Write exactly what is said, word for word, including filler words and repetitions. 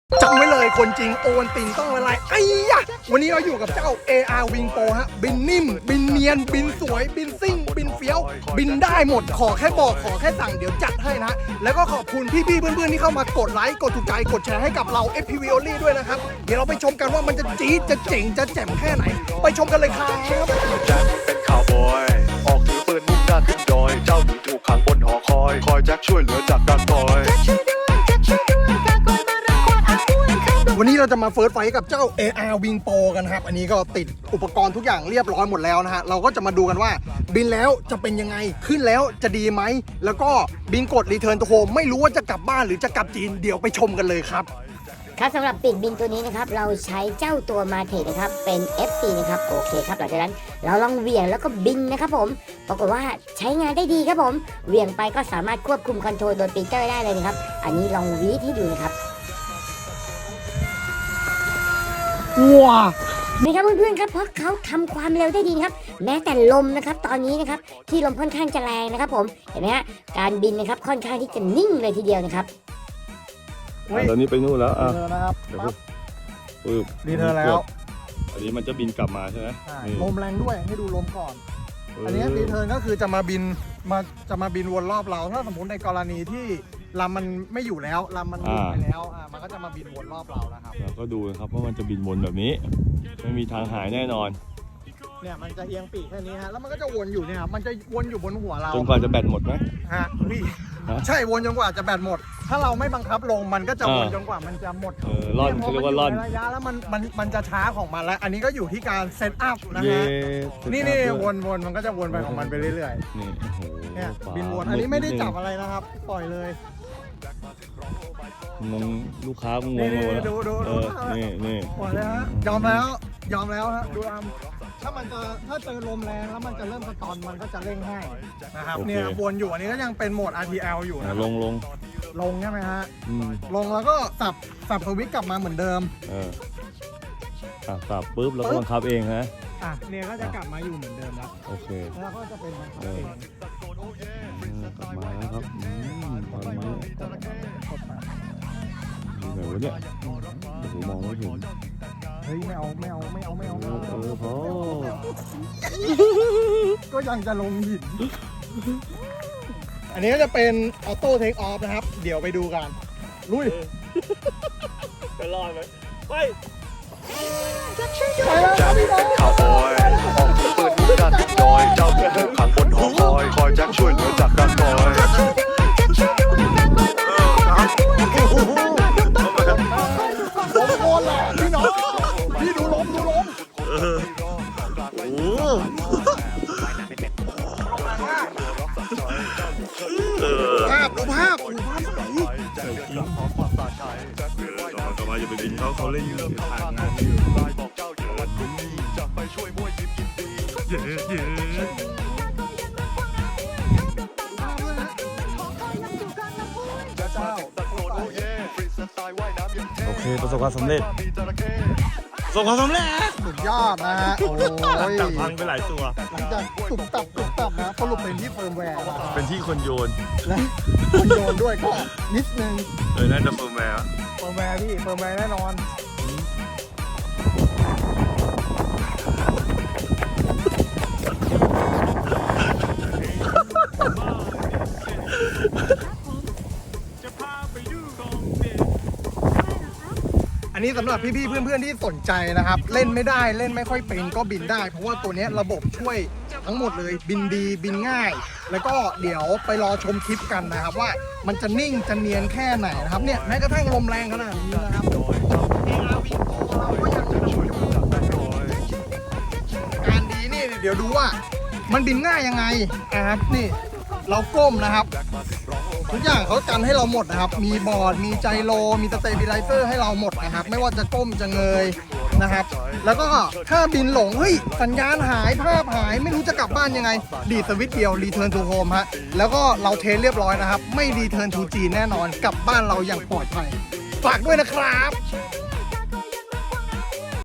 จำไว้เลยคนจริงโอนติงต้องอะไรไอ้ยะวันนี้เราอยู่กับเจ้า เอ อาร์ Wing Pro ฮะบินนิ่มบินเนียนบินสวยบินซิ่งบินเฟี้ยวบินได้หมดขอแค่บอกขอแค่สั่งเดี๋ยวจัดให้นะแล้วก็ขอบคุณพี่ๆเพื่อนๆที่เข้ามากดไลค์กดถูกใจกดแชร์ให้กับเรา เอฟ พี วี Only ด้วยนะครับเดี๋ยวเราไปชมกันว่ามันจะจี๊ดจะเจ๋งจะแจ่มแค่ไหนไปชมกันเลยครับแจ็คเป็นข่าวบอยออกถือปืนมุ่งหน้าขึ้นดอยเจ้าหญิงถูกขังบนหอคอยคอยแจ็คช่วยเหลือจากการต่อยวันนี้เราจะมาเฟิร์สไฟท์กับเจ้า เอ อาร์ Wing Pro กันครับอันนี้ก็ติดอุปกรณ์ทุกอย่างเรียบร้อยหมดแล้วนะฮะเราก็จะมาดูกันว่าบินแล้วจะเป็นยังไงขึ้นแล้วจะดีไหมแล้วก็บินกด Return to Home ไม่รู้ว่าจะกลับบ้านหรือจะกลับจีนเดี๋ยวไปชมกันเลยครับครับสำหรับปีกบินตัวนี้นะครับเราใช้เจ้าตัวมาเทนะครับเป็น เอฟ ซี นะครับโอเคครับหลังจากนั้นเราลองเหวี่ยงแล้วก็บินนะครับผมปรากฏว่าใช้งานได้ดีครับผมเหวี่ยงไปก็สามารถควบคุมคอนโทรลโดยปีเตอร์ได้เลยนะครับอันนี้ลองวีดให้ดูนะครับว้านี่ครับเพื่อนๆครับเพราะเขาทำความเร็วได้ดีครับแม้แต่ลมนะครับตอนนี้นะครับที่ลมค่อนข้างจะแรงนะครับผมเห็นไหมฮะการบินนะครับค่อนข้างที่จะนิ่งเลยทีเดียวนะครับตอนนี้ไปนู่นแล้วอ่ะนะครับปั๊บปึ๊บรีเทิร์นแล้วอันนี้มันจะบินกลับมาใช่ไหมลมแรงด้วยให้ดูลมก่อนอันนี้รีเทิร์นก็คือจะมาบินมาจะมาบินวนรอบเราถ้าสมมติในกรณีที่ลำมันไม่อยู่แล้วลำมันหลุดไปแล้วอ่ามันก็จะมาบินวนรอบเรานะครับเราก็ดูนะครับว่ามันจะบินวนแบบนี้ไม่มีทางหายแน่นอนเนี่ยมันจะเอียงปีกแค่นี้ฮะแล้วมันก็จะวนอยู่เนี่ยมันจะวนอยู่บนหัวเราจนกว่าจะแบตหมดไหมฮะพี่ใช่วนจนกว่าจะแบตหมดถ้าเราไม่บังคับลงมันก็จะวนจนกว่ามันจะหมดเออล่อนเขาเรียกว่าล่อนระยะแล้วมันมันมันจะช้าของมันแล้วอันนี้ก็อยู่ที่การเซตอัพนะฮะนี่นี่วนวนมันก็จะวนไปของมันไปเรื่อยๆนี่โอ้โหเนี่ยบินวนอันนี้ไม่ได้จับอะไรนะครับปล่อยเลยงงลูกค้างงงเลยดูดูดูนี่นี่ปล่อยเลยฮะยอมแล้วยอมแล้วฮะดูอัมถ้ามันจะถ้าเจอลมแรงแล้วมันจะเริ่มสตอนมันก็จะเร่งให้นะครับเนี่ยวนอยู่อันนี้ก็ยังเป็นโหมด อาร์ ที แอล อยู่นะลงลงลงใช่ไหมฮะลงแล้วก็สับสับสวิตช์กลับมาเหมือนเดิมเออสับปุ๊บแล้วก็บังคับเองฮะอ่ะเนี่ยก็จะกลับมาอยู่เหมือนเดิมแล้วโอเคแล้วก็จะเป็นบังคับเองกลับมาแล้วครับอืมตอนนี้ไหนวะเนี่ยโอ้โหมองไม่เห็นเฮ้ยไม่เอาไม่เอาไม่เอาไม่เอาเออพอก็ยังจะลงหินอันนี้ก็จะเป็นออโต้เทคออฟนะครับเดี๋ยวไปดูกันลุยจะรอดไหมไปแจ็คเป็นข่าวบอยออกถือปืนมุ่งหน้าขึ้นดอยเจ้าหญิงถูกขังบนหอคอยคอยแจ็คช่วยเหลือจากการต่อยลมโคนแหละพี่น้องพี่ดูลมดูลมโอ้ภาพดูภาพดูภาพไหนต่อมาจะไปบินเขาเขาเล่นอยู่ทางงานอยู่จะไปช่วยมวยยิมยินดีเย้เย้โอเคประสบความสำเร็จประสบความสำเร็จสุดยอดนะฮะโอ้ยจับพังไปหลายตัวหลังจากตุบตับตุบตับนะสรุปเป็นที่เฟิร์มแวร์เป็นที่คนโยนและคนโยนด้วยก็นิดนึงเออน่าจะเฟิร์มแวร์เฟิร์มแวร์พี่เฟิร์มแวร์แน่นอนอันนี้สำหรับพี่ๆเพื่อนๆที่สนใจนะครับเล่นไม่ได้เล่นไม่ค่อยเป็นก็บินได้เพราะว่าตัวนี้ระบบช่วยทั้งหมดเลยบินดีบินง่ายแล้วก็เดี๋ยวไปรอชมคลิปกันนะครับว่ามันจะนิ่งจะเนียนแค่ไหนนะครับเนี่ยแม้กระทั่งลมแรงขนาดนี้นะครับการดีนี่เดี๋ยวดูว่ามันบินง่ายยังไงนะครับนี่เราก้มนะครับทุกอย่างเขากันให้เราหมดนะครับมีบอร์ดมีไจโรมีสเตเบลไลเซอร์ให้เราหมดนะครับไม่ว่าจะก้มจะเงยนะครับแล้วก็ถ้าบินหลงเฮ้ยสัญญาณหายภาพหายไม่รู้จะกลับบ้านยังไงดีสวิตช์เดียว Return to Home ฮะแล้วก็เราเทสเรียบร้อยนะครับไม่ Return to จีนแน่นอนกลับบ้านเราอย่างปลอดภัยฝากด้วยนะครับ